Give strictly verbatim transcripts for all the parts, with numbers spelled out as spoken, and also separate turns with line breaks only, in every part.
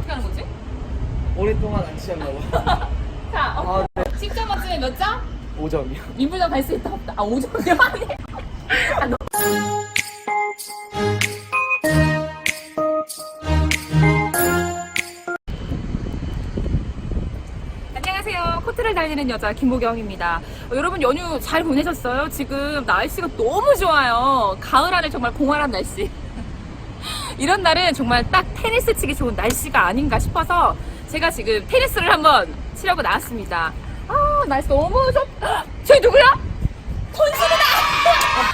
어떻게 하는 거지?
오랫동안 안 치셨나 봐.
자, 어,
아, 네.
십 점 만점에 몇 점?
오 점이요.
윈블던 갈 수 있다 없다. 아, 오 점이요? 아니. 아, 너... 안녕하세요. 코트를 달리는 여자 김보경입니다. 어, 여러분 연휴 잘 보내셨어요? 지금 날씨가 너무 좋아요. 가을 안에 정말 공활한 날씨. 이런 날은 정말 딱 테니스 치기 좋은 날씨가 아닌가 싶어서 제가 지금 테니스를 한번 치려고 나왔습니다. 아, 날씨 너무 좋... 저기 누구야? 권수이다!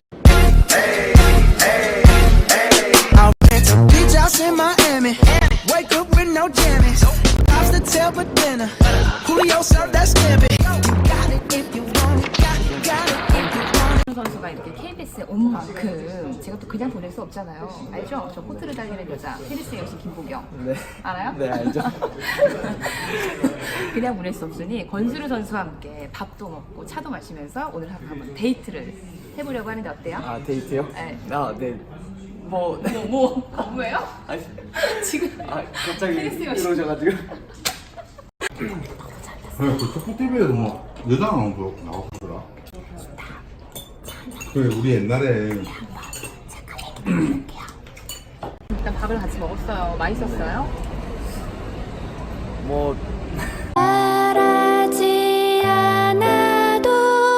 I went to beach house in Miami. Wake up with no jammies. Lobster tail for dinner. Julio served that scampi. You got it if you want it. Got, got it if you want it.
선수가 이렇게 케이비에스에 온 만큼 제가 또 그냥 보낼 수 없잖아요. 알죠? 저 코트를 달리는 여자 테니스 여신 김보경.
네.
알아요?
네, 알죠.
그냥 보낼 수 없으니 권수르 선수와 함께 밥도 먹고 차도 마시면서 오늘 하루 한번 데이트를 해보려고 하는데 어때요?
아, 데이트요?
네.
아, 네. 뭐, 네.
뭐, 뭐, 뭐예요?
아니,
지금
아, 갑자기
테니스 여신.
들어오셔가지고.
그 촉촉 티비에도 뭐 여자 나오고 나오더라. 그래 우리 옛날에
일단 밥을 같이 먹었어요. 맛있었어요?
뭐,
말하지 않아도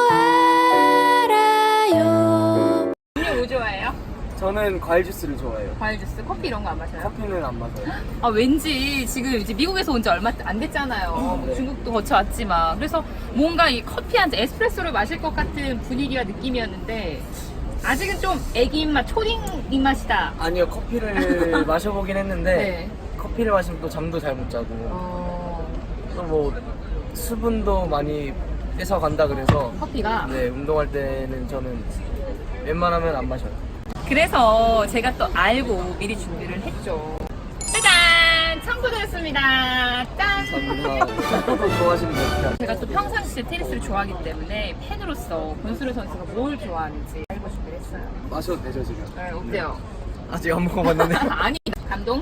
알아요.
음료 뭐 좋아해요?
저는 과일 주스를 좋아해요.
과일 주스, 커피 이런 거 안 마셔요?
커피는 안 마셔요.
아, 왠지 지금 이제 미국에서 온 지 얼마 안 됐잖아요. 뭐
네.
중국도 거쳐왔지만. 그래서 뭔가 이 커피 한 잔, 에스프레소를 마실 것 같은 분위기와 느낌이었는데, 아직은 좀 애기 입맛, 초딩 입맛이다.
아니요, 커피를 마셔보긴 했는데,
네.
커피를 마시면 또 잠도 잘 못 자고,
어,
또 뭐, 수분도 많이 뺏어간다 그래서,
커피가.
네, 운동할 때는 저는 웬만하면 안 마셔요.
그래서 제가 또 알고 미리 준비를 했죠. 짜잔! 청구드렸습니다. 짠!
감사합니다. 축구도 좋아하시는 거 어떻게
제가 또 평상시에 테니스를 좋아하기 때문에 팬으로서 권수르 선수가 뭘 좋아하는지 알고 준비를 했어요.
마셔도 되죠, 지금?
네, 어때요?
아직 안 먹어봤는데.
아니, 감동?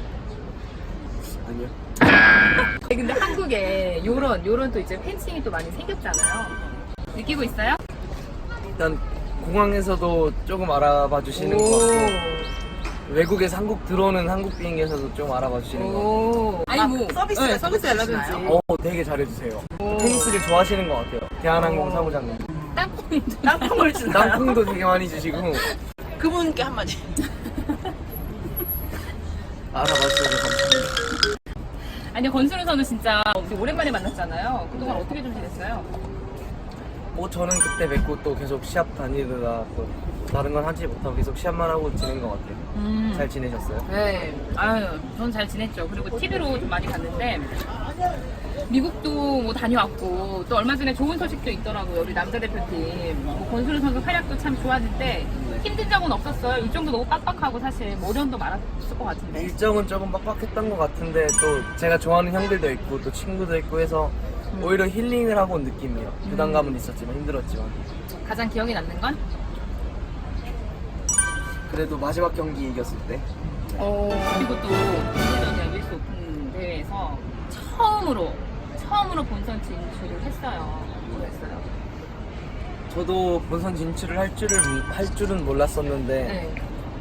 아니요.
근데 한국에 요런, 요런 또 이제 팬층이 또 많이 생겼잖아요. 느끼고 있어요?
일단 공항에서도 조금 알아봐 주시는 것 같고, 외국에서 한국 들어오는 한국 비행기에서도 좀 알아봐 주시는 것 같고,
오. 아니, 뭐. 서비스, 네, 서비스 연락든지.
어, 되게 잘해주세요. 테니스를 좋아하시는 것 같아요. 대한항공 사무장님.
땅콩도.
땅콩을 주나요?
땅콩도 되게 많이 주시고,
그분께 한마디.
알아봐 주셔서 감사합니다.
아니, 권수르 선수 진짜 우리 오랜만에 만났잖아요. 그동안 어떻게 좀 지냈어요?
뭐 저는 그때 뵙고 또 계속 시합 다니느라 또 다른 건 하지 못하고 계속 시합만 하고 지낸 것 같아요.
음.
잘 지내셨어요?
네, 아유, 전 잘 지냈죠. 그리고 티비로 좀 많이 갔는데, 미국도 뭐 다녀왔고, 또 얼마 전에 좋은 소식도 있더라고요. 우리 남자 대표팀. 뭐 권수르 선수 활약도 참 좋았는데, 힘든 점은 없었어요. 일정도 너무 빡빡하고, 사실, 모련도 많았을 것 같은데.
일정은 조금 빡빡했던 것 같은데 또 제가 좋아하는 형들도 있고 또 친구도 있고 해서 오히려 힐링을 하고 온 느낌이에요. 부담감은 있었지만 힘들었지만
가장 기억에 남는 건?
그래도 마지막 경기 이겼을 때
어, 그리고 또, 윈블던 유에스 오픈 대회에서 처음으로, 처음으로 본선 진출을 했어요. 그랬어요.
저도 본선 진출을 할 줄을 할 줄은 몰랐었는데
네.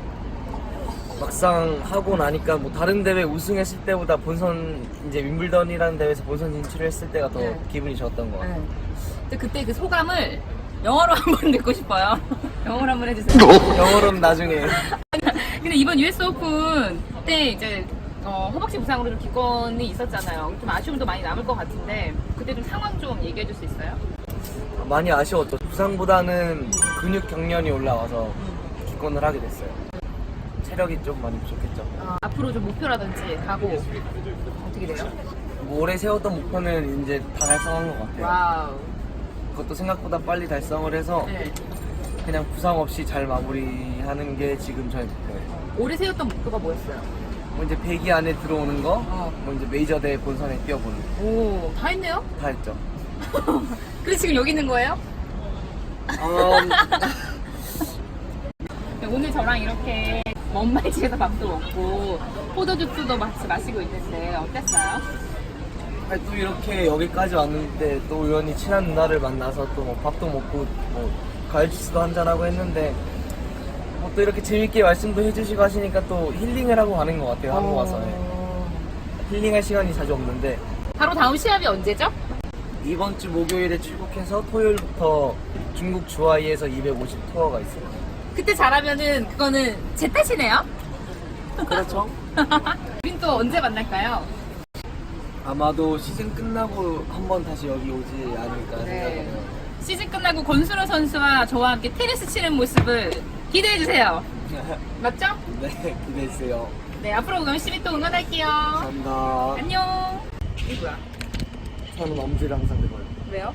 막상 하고 나니까 뭐 다른 대회 우승했을 때보다 본선 이제 윈블던이라는 대회에서 본선 진출을 했을 때가 더
네.
기분이 좋았던 것 같아요.
네. 근데 그때 그 소감을 영어로 한번 듣고 싶어요. 영어로 한번 해주세요.
영어로는 나중에
근데 이번 유에스 오픈 때 이제 어, 허벅지 부상으로 좀 기권이 있었잖아요. 좀 아쉬움도 많이 남을 것 같은데 그때 좀 상황 좀 얘기해 줄 수 있어요?
많이 아쉬웠죠. 부상보다는 근육 경련이 올라와서 기권을 하게 됐어요. 체력이 좀 많이 부족했죠.
어, 앞으로 좀 목표라든지 각오 어떻게 돼요?
뭐 올해 세웠던 목표는 이제 다 달성한 것 같아요.
와우.
그것도 생각보다 빨리 달성을 해서
네.
그냥 부상 없이 잘 마무리하는 게 지금 저의 목표예요.
올해 세웠던 목표가 뭐였어요?
뭐 이제 백 위 안에 들어오는 거,
어.
뭐 이제 메이저 대회 본선에 뛰어보는 거.
오, 다 했네요?
다 했죠.
그래서 지금 여기 있는 거예요?
음,
오늘 저랑 이렇게 먼말집에서 밥도 먹고 포도주스도 같이 마시고 있는데 어땠어요?
아니, 또 이렇게 여기까지 왔는데 또 우연히 친한 누나를 만나서 또 뭐 밥도 먹고 뭐 과일 주스도 한잔하고 했는데 뭐 또 이렇게 재밌게 말씀도 해주시고 하시니까 또 힐링을 하고 가는 것 같아요. 한국 와서. 힐링할 시간이 자주 없는데
바로 다음 시합이 언제죠?
이번 주 목요일에 출국해서 토요일부터 중국 주하이에서 이백오십 투어가 있어요.
그때 잘하면은 그거는 제 탓이네요.
그렇죠.
우린 또 언제 만날까요?
아마도 시즌 끝나고 한번 다시 여기 오지 않을까
네.
생각해요.
시즌 끝나고 권순호 선수와 저와 함께 테니스 치는 모습을 기대해 주세요. 맞죠?
네, 기대해주세요.
네, 앞으로 열심히 또 응원할게요.
감사합니다.
안녕. 이게 뭐야?
저는 엄지를 항상 들어요.
왜요?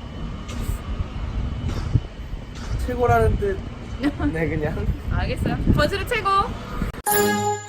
최고라는 뜻. 네, 그냥.
알겠어요. 권순호 최고.